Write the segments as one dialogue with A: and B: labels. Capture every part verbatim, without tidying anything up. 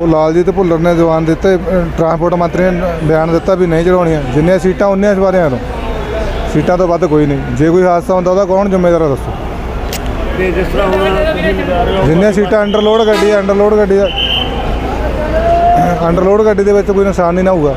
A: ਲਾਲਜੀਤ ਭੁੱਲਰ ने जवान दिते, ट्रांसपोर्ट मंत्री ने बयान दिता भी नहीं चढ़ाउणियां, जिन्नियां सीटां उन्नियां सवारियां तो सीटां तो वध कोई नहीं। जे कोई हादसा होंदा उहदा कौन जिम्मेदार है दसो?
B: ते जिस तरह हुण
A: जिन्नियां सीटां अंडरलोड गड्डी अंडरलोड गड्डी अंडरलोड गड्डी दे विच कोई नुकसान नहीं ना होऊगा।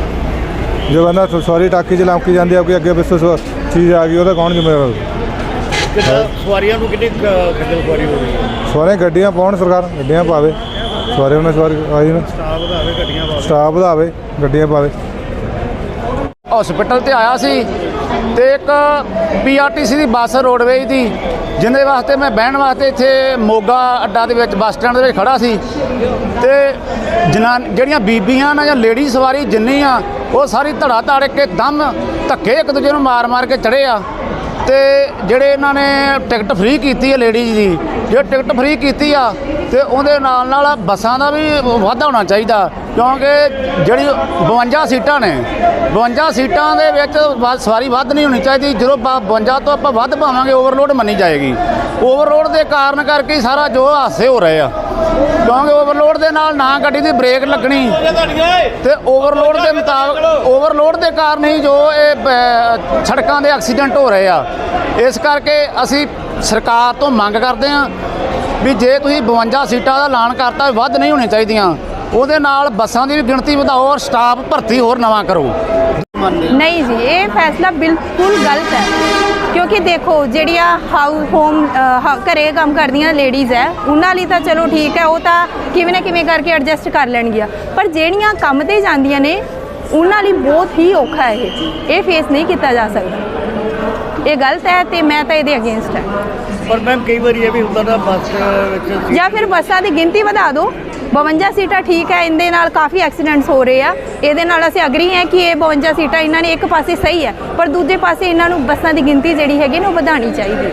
A: जो बंदा सवारी टाकी च लमकी जाती है, कोई अगे पिछे चीज़ आ गई, उहदा कौन जिम्मेदार है?
B: सवारियां नूं कितनी खज्जल खुआरी हो रही है?
A: सवारियां गड्डियां पाउण, सरकार गड्डियां पावे, सवारियां ने सवारी आई ना
B: स्टाफ वधावे, गड्डियां पावे,
A: स्टाफ वधावे, गड्डियां पावे।
C: हॉस्पिटल ते आया सी ते एक पी आर टी सी दी बस रोडवेज दी, जिंदे वास्ते मैं बहन वास्ते इत्थे मोगा अड्डा दे विच बस स्टैंड दे विच खड़ा सी ते जनान ਜਿਹੜੀਆਂ ਬੀਬੀਆਂ ना ਜਾਂ लेडी सवारी जिन्नी आ वो सारी धड़ा धड़ के दम धक्के एक दूजे ਨੂੰ मार मार के चढ़े आ। ਤੇ ਜਿਹੜੇ ਇਹਨਾਂ ਨੇ ਟਿਕਟ ਫ੍ਰੀ ਕੀਤੀ ਹੈ ਲੇਡੀਜ਼ ਦੀ, ਜੇ ਟਿਕਟ ਫ੍ਰੀ ਕੀਤੀ ਆ ਤੇ ਉਹਦੇ ਨਾਲ ਨਾਲ ਬੱਸਾਂ ਦਾ ਵੀ ਵਾਧਾ ਹੋਣਾ ਚਾਹੀਦਾ, ਕਿਉਂਕਿ ਜਿਹੜੀ ਬਵੰਜਾ ਸੀਟਾਂ ਨੇ ਬਵੰਜਾ ਸੀਟਾਂ ਦੇ ਵਿੱਚ ਸਵਾਰੀ ਵੱਧ ਨਹੀਂ ਹੋਣੀ ਚਾਹੀਦੀ। ਜਦੋਂ ਬਵੰਜਾ ਤੋਂ ਆਪਾਂ ਵੱਧ ਪਾਵਾਂਗੇ ਓਵਰਲੋਡ ਮੰਨੀ ਜਾਏਗੀ। ਓਵਰਲੋਡ ਦੇ ਕਾਰਨ ਕਰਕੇ ਸਾਰਾ ਜੋ ਹਾਦਸੇ ਹੋ ਰਹੇ ਆ, ਕਿਉਂਕਿ ਓਵਰਲੋਡ ਦੇ ਨਾਲ ਨਾ ਗੱਡੀ ਦੀ ਬ੍ਰੇਕ ਲੱਗਣੀ ਤੇ ਓਵਰਲੋਡ ਦੇ ਮੁਤਾਬਕ ਓਵਰਲੋਡ ਦੇ ਕਾਰਨ ਹੀ ਜੋ ਇਹ ਸੜਕਾਂ ਦੇ ਐਕਸੀਡੈਂਟ ਹੋ ਰਹੇ ਆ। ਇਸ ਕਰਕੇ ਅਸੀਂ ਸਰਕਾਰ ਤੋਂ ਮੰਗ ਕਰਦੇ ਹਾਂ ਵੀ ਜੇ ਤੁਸੀਂ ਬਵੰਜਾ ਸੀਟਾਂ ਦਾ ਐਲਾਨ ਕਰਤਾ, ਵੱਧ ਨਹੀਂ ਹੋਣੀਆਂ ਚਾਹੀਦੀਆਂ, ਉਹਦੇ ਨਾਲ ਬੱਸਾਂ ਦੀ ਵੀ ਗਿਣਤੀ ਵਧਾਓ ਔਰ ਸਟਾਫ ਭਰਤੀ ਹੋਰ ਨਵਾਂ ਕਰੋ।
D: नहीं जी, ये फैसला बिल्कुल गलत है, क्योंकि देखो ਜਿਹੜੀਆਂ ਹਾਊਸ ਹੋਮ ਘਰੇ ਕੰਮ ਕਰਦੀਆਂ ਲੇਡੀਜ਼ ਹੈ ਉਹਨਾਂ ਲਈ ਤਾਂ ਚਲੋ ਠੀਕ ਹੈ, ਉਹ ਤਾਂ ਕਿਵੇਂ ਨਾ ਕਿਵੇਂ ਕਰਕੇ ਐਡਜਸਟ ਕਰ ਲੈਣਗੀਆਂ, ਪਰ ਜਿਹੜੀਆਂ ਕੰਮ ਤੇ ਜਾਂਦੀਆਂ ਨੇ ਉਹਨਾਂ ਲਈ ਬਹੁਤ ਹੀ ਔਖਾ ਹੈ। ਇਹ ਇਹ ਫੇਸ ਨਹੀਂ ਕੀਤਾ ਜਾ ਸਕਦਾ, ਇਹ ਗਲਤ ਹੈ ਤੇ ਮੈਂ ਤਾਂ ਇਹਦੇ ਅਗੇਂਸਟ ਹੈ।
B: पर मैम कई बार ये भी ਹੁੰਦਾ ਨਾ ਬੱਸ ਵਿੱਚ
D: ਜਾਂ ਫਿਰ ਬੱਸਾਂ ਦੀ ਗਿਣਤੀ ਵਧਾ ਦਿਓ, ਬਵੰਜਾ ਸੀਟਾਂ ਠੀਕ ਹੈ, ਇਹਦੇ ਨਾਲ ਕਾਫੀ ਐਕਸੀਡੈਂਟਸ ਹੋ ਰਹੇ ਆ, ਇਹਦੇ ਨਾਲ ਅਸੀਂ ਅਗਰੀ ਹੈ ਕਿ ਇਹ ਬਵੰਜਾ ਸੀਟਾਂ ਇਹਨਾਂ ਨੇ ਇੱਕ ਪਾਸੇ ਸਹੀ ਹੈ, ਪਰ ਦੂਜੇ ਪਾਸੇ ਇਹਨਾਂ ਨੂੰ ਬੱਸਾਂ ਦੀ ਗਿਣਤੀ ਜਿਹੜੀ ਹੈਗੀ ਨਾ ਉਹ ਵਧਾਉਣੀ ਚਾਹੀਦੀ।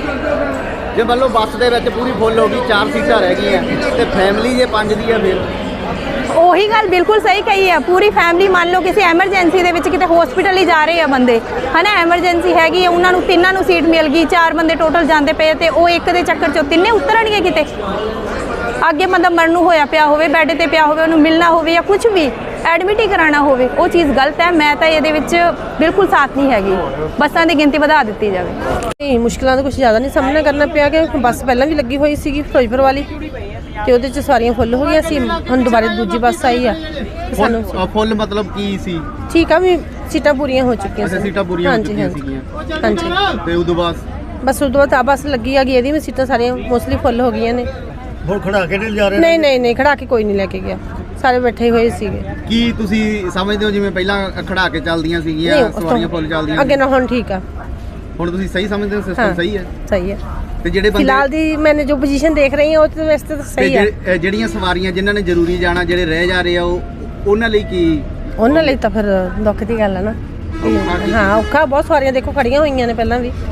E: ਜੇ ਮੰਨ ਲਓ ਬੱਸ ਦੇ ਵਿੱਚ ਪੂਰੀ ਫੁੱਲ ਹੋ ਗਈ, ਚਾਰ ਸੀਟਾਂ ਰਹਿ ਗਈਆਂ ਤੇ ਫੈਮਿਲੀ ਜੇ ਪੰਜ ਦੀ ਆ, ਫਿਰ
D: ਉਹੀ ਗੱਲ ਬਿਲਕੁਲ ਸਹੀ ਕਹੀ ਹੈ। ਪੂਰੀ ਫੈਮਿਲੀ ਮੰਨ ਲਓ ਕਿਸੇ ਐਮਰਜੈਂਸੀ ਦੇ ਵਿੱਚ ਕਿਤੇ ਹਸਪੀਟਲ ਹੀ ਜਾ ਰਹੇ ਆ ਬੰਦੇ, ਹੈ ਨਾ, ਐਮਰਜੈਂਸੀ ਹੈਗੀ, ਉਹਨਾਂ ਨੂੰ ਤਿੰਨਾਂ ਨੂੰ ਸੀਟ ਮਿਲ ਗਈ, ਚਾਰ ਬੰਦੇ ਟੋਟਲ ਜਾਂਦੇ ਪਏ ਤੇ ਉਹ ਇੱਕ ਦੇ ਚੱਕਰ 'ਚੋਂ ਤਿੰਨੇ ਉਤਰਨਗੇ ਕਿਤੇ। ਅੱਗੇ ਮਤਲਬ ਮਰਨ ਨੂੰ ਹੋਇਆ ਪਿਆ ਹੋਵੇ, ਬੈੱਡ ਤੇ ਪਿਆ ਹੋਵੇ, ਉਹਨੂੰ ਮਿਲਣਾ ਹੋਵੇ ਜਾਂ ਕੁਝ ਵੀ ਐਡਮਿਟ ਹੀ ਕਰਾਉਣਾ ਹੋਵੇ, ਉਹ ਚੀਜ਼ ਗਲਤ ਹੈ। ਮੈਂ ਤਾਂ ਇਹਦੇ ਵਿੱਚ ਬਿਲਕੁਲ ਸਾਥ ਨਹੀਂ ਹੈਗੀ, ਬੱਸਾਂ ਦੀ ਗਿਣਤੀ ਵਧਾ ਦਿੱਤੀ ਜਾਵੇ।
F: ਨਹੀਂ, ਮੁਸ਼ਕਿਲਾਂ ਦਾ ਕੁਝ ਜ਼ਿਆਦਾ ਨਹੀਂ ਸਾਹਮਣਾ ਕਰਨਾ ਪਿਆ ਕਿ ਬੱਸ ਪਹਿਲਾਂ ਵੀ ਲੱਗੀ ਹੋਈ ਸੀਗੀ ਫਿਰੋਜ਼ਪੁਰ ਵਾਲੀ ਤੇ ਉਹਦੇ 'ਚ ਸਵਾਰੀਆਂ ਫੁੱਲ ਹੋ ਗਈਆਂ ਸੀ, ਹੁਣ ਦੁਬਾਰਾ ਦੂਜੀ ਬੱਸ ਆਈ ਆ ਸਾਨੂੰ
E: ਫੁੱਲ ਮਤਲਬ ਕੀ ਸੀ?
F: ਠੀਕ ਆ ਵੀ ਸੀਟਾਂ ਪੂਰੀਆਂ ਹੋ ਚੁੱਕੀਆਂ
E: ਸੀ, ਸੀਟਾਂ ਪੂਰੀਆਂ ਹੋ ਚੁੱਕੀਆਂ ਸੀਗੀਆਂ,
F: ਹਾਂਜੀ।
E: ਤੇ ਉਦੋਂ ਬਾਅਦ
F: ਬਸ ਉਦੋਂ ਬਾਅਦ ਆ ਬੱਸ ਲੱਗੀ ਆ ਗਈ, ਇਹਦੀ ਵੀ ਸੀਟਾਂ ਸਾਰੀਆਂ ਮੋਸਟਲੀ ਫੁੱਲ ਹੋ ਗਈਆਂ ਨੇ।
B: ਹੁਣ ਖੜਾ ਕੇ ਨਹੀਂ ਜਾ ਰਹੇ?
F: ਨਹੀਂ ਨਹੀਂ ਨਹੀਂ, ਖੜਾ ਕੇ ਕੋਈ ਨਹੀਂ ਲੈ ਕੇ ਗਿਆ, ਸਾਰੇ ਬੈਠੇ ਹੋਏ ਸੀਗੇ।
E: ਕੀ ਤੁਸੀਂ ਸਮਝਦੇ ਹੋ ਜਿਵੇਂ ਪਹਿਲਾਂ ਖੜਾ ਕੇ ਚੱਲਦੀਆਂ ਸੀਗੀਆਂ ਸਵਾਰੀਆਂ ਫੁੱਲ ਚੱਲਦੀਆਂ,
F: ਅੱਗੇ ਨਾ ਹੁਣ ਠੀਕ ਆ?
E: ਹੁਣ ਤੁਸੀਂ ਸਹੀ ਸਮਝਦੇ ਹੋ ਸਿਸਟਮ ਸਹੀ ਹੈ?
F: ਸਹੀ ਹੈ।
E: ਤੇ ਜਿਹੜੇ ਬੰਦੇ
F: ਫਿਲਹਾਲ ਦੀ ਮੈਨੇ ਜੋ ਪੋਜੀਸ਼ਨ ਦੇਖ ਰਹੀ ਹਾਂ ਉਹ ਤੇ ਵੈਸੇ ਤਾਂ ਸਹੀ ਹੈ।
E: ਤੇ ਜਿਹੜੀਆਂ ਸਵਾਰੀਆਂ ਜਿਨ੍ਹਾਂ ਨੇ ਜ਼ਰੂਰੀ ਜਾਣਾ, ਜਿਹੜੇ ਰਹਿ ਜਾ ਰਹੇ ਆ, ਉਹ ਉਹਨਾਂ ਲਈ ਕੀ?
F: ਉਹਨਾਂ ਲਈ ਤਾਂ ਫਿਰ ਦੁੱਖ ਦੀ ਗੱਲ ਹੈ ਨਾ। ਹਾਂ, ਔਖਾ ਬਹੁਤ, ਸਵਾਰੀਆਂ ਦੇਖੋ ਖੜੀਆਂ ਹੋਈਆਂ ਨੇ ਪਹਿਲਾਂ ਵੀ।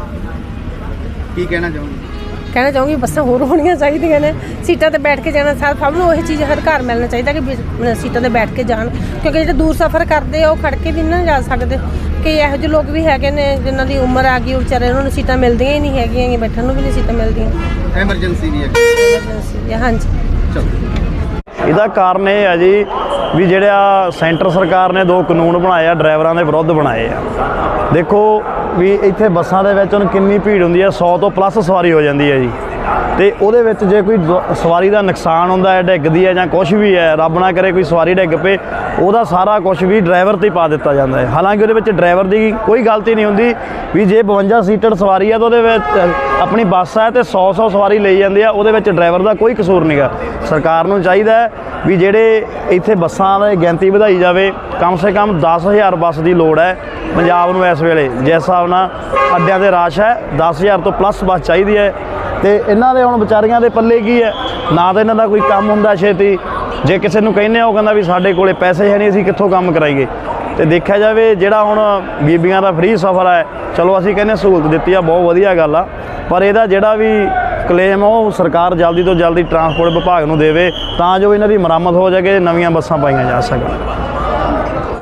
E: ਕੀ ਕਹਿਣਾ ਚਾਹੋਗੇ?
F: ਕਹਿਣਾ ਚਾਹੂੰਗੀ ਬੱਸਾਂ ਹੋਰ ਹੋਣੀਆਂ ਚਾਹੀਦੀਆਂ ਨੇ, ਸੀਟਾਂ ਤੇ ਬੈਠ ਕੇ ਜਾਣਾ, ਸਭ ਨੂੰ ਉਹੀ ਚੀਜ਼ ਹਰ ਘਰ ਮਿਲਣਾ ਚਾਹੀਦਾ ਕਿ ਸੀਟਾਂ ਤੇ ਬੈਠ ਕੇ ਜਾਣ, ਕਿਉਂਕਿ ਜਿਹੜੇ ਦੂਰ ਸਫ਼ਰ ਕਰਦੇ ਆ ਉਹ ਖੜ ਕੇ ਵੀ ਨਾ ਜਾ ਸਕਦੇ। ਕਈ ਇਹੋ ਜਿਹੇ ਲੋਕ ਵੀ ਹੈਗੇ ਨੇ ਜਿਨ੍ਹਾਂ ਦੀ ਉਮਰ ਆ ਗਈ, ਉਹ ਵਿਚਾਰੇ ਉਹਨਾਂ ਨੂੰ ਸੀਟਾਂ ਮਿਲਦੀਆਂ ਹੀ ਨਹੀਂ ਹੈਗੀਆਂ, ਬੈਠਣ ਨੂੰ ਵੀ ਨਹੀਂ ਸੀਟਾਂ ਮਿਲਦੀਆਂ,
E: ਐਮਰਜੈਂਸੀ ਵੀ ਹੈ।
F: ਐਮਰਜੈਂਸੀ ਹਾਂਜੀ।
E: ਚਲੋ,
G: ਇਹਦਾ ਕਾਰਨ ਇਹ ਹੈ ਜੀ ਵੀ ਜਿਹੜਾ ਸੈਂਟਰ ਸਰਕਾਰ ਨੇ ਦੋ ਕਾਨੂੰਨ ਬਣਾਏ ਆ, ਡਰਾਈਵਰਾਂ ਦੇ ਵਿਰੁੱਧ ਬਣਾਏ ਆ। ਦੇਖੋ ਵੀ ਇੱਥੇ ਬੱਸਾਂ ਦੇ ਵਿੱਚ ਹੁਣ ਕਿੰਨੀ ਭੀੜ ਹੁੰਦੀ ਹੈ, ਸੌ ਤੋਂ ਪਲੱਸ ਸਵਾਰੀ ਹੋ ਜਾਂਦੀ ਹੈ ਜੀ, ਤੇ ਉਹਦੇ ਵਿੱਚ ਜੇ ਕੋਈ ਸਵਾਰੀ ਦਾ ਨੁਕਸਾਨ ਹੁੰਦਾ ਹੈ, ਡਿੱਗਦੀ ਹੈ ਜਾਂ ਕੁਛ ਵੀ ਹੈ, ਰੱਬ ਨਾ ਕਰੇ ਕੋਈ ਸਵਾਰੀ ਡਿੱਗ ਪਏ, ਉਹਦਾ ਸਾਰਾ ਕੁਛ ਵੀ ਡਰਾਈਵਰ 'ਤੇ ਪਾ ਦਿੱਤਾ ਜਾਂਦਾ ਹੈ। ਹਾਲਾਂਕਿ ਉਹਦੇ ਵਿੱਚ ਡਰਾਈਵਰ ਦੀ ਕੋਈ ਗਲਤੀ ਨਹੀਂ ਹੁੰਦੀ ਵੀ ਜੇ ਬਵੰਜਾ ਸੀਟਡ ਸਵਾਰੀ ਹੈ ਤਾਂ ਉਹਦੇ ਵਿੱਚ ਆਪਣੀ ਬੱਸ ਹੈ ਤੇ ਸੌ ਸੌ ਸਵਾਰੀ ਲਈ ਜਾਂਦੀ ਆ, ਉਹਦੇ ਵਿੱਚ ਡਰਾਈਵਰ ਦਾ ਕੋਈ ਕਸੂਰ ਨਹੀਂ ਗਾ। ਸਰਕਾਰ ਨੂੰ ਚਾਹੀਦਾ ਹੈ ਵੀ ਜਿਹੜੇ ਇੱਥੇ ਬੱਸਾਂ ਦੀ ਗਿਣਤੀ ਵਧਾਈ ਜਾਵੇ, ਕਮ ਸੇ ਕਮ ਦਸ ਹਜ਼ਾਰ ਬੱਸ ਦੀ ਲੋੜ ਹੈ ਪੰਜਾਬ ਨੂੰ ਇਸ ਵੇਲੇ, ਜਿਸ ਹਿਸਾਬ ਨਾਲ ਅੱਡਿਆਂ 'ਤੇ ਰਸ਼ ਹੈ, ਦਸ ਹਜ਼ਾਰ ਤੋਂ ਪਲੱਸ ਬੱਸ ਚਾਹੀਦੀ ਹੈ। ਤੇ ਇਹਨਾਂ ਦੇ ਹੁਣ ਵਿਚਾਰੀਆਂ ਦੇ ਪੱਲੇ ਕੀ ਹੈ, ਨਾ ਤਾਂ ਇਹਨਾਂ ਦਾ ਕੋਈ ਕੰਮ ਹੁੰਦਾ ਛੇਤੀ, ਜੇ ਕਿਸੇ ਨੂੰ ਕਹਿੰਦੇ ਆ ਉਹ ਕਹਿੰਦਾ ਵੀ ਸਾਡੇ ਕੋਲੇ ਪੈਸੇ ਹੈ ਨਹੀਂ, ਅਸੀਂ ਕਿੱਥੋਂ ਕੰਮ ਕਰਾਈਏ। ਤੇ ਦੇਖਿਆ ਜਾਵੇ ਜਿਹੜਾ ਹੁਣ ਬੀਬੀਆਂ ਦਾ ਫ੍ਰੀ ਸਫ਼ਰ ਹੈ, ਚਲੋ ਅਸੀਂ ਕਹਿੰਦੇ ਸਹੂਲਤ ਦਿੱਤੀ ਆ, ਬਹੁਤ ਵਧੀਆ ਗੱਲ ਆ, ਪਰ ਇਹਦਾ ਜਿਹੜਾ ਵੀ ਕਲੇਮ ਉਹ ਸਰਕਾਰ ਜਲਦੀ ਤੋਂ ਜਲਦੀ ਟਰਾਂਸਪੋਰਟ ਵਿਭਾਗ ਨੂੰ ਦੇਵੇ ਤਾਂ ਜੋ ਇਹਨਾਂ ਦੀ ਮੁਰੰਮਤ ਹੋ ਜਾਵੇ, ਨਵੀਆਂ ਬੱਸਾਂ ਪਾਈਆਂ ਜਾ ਸਕਣ।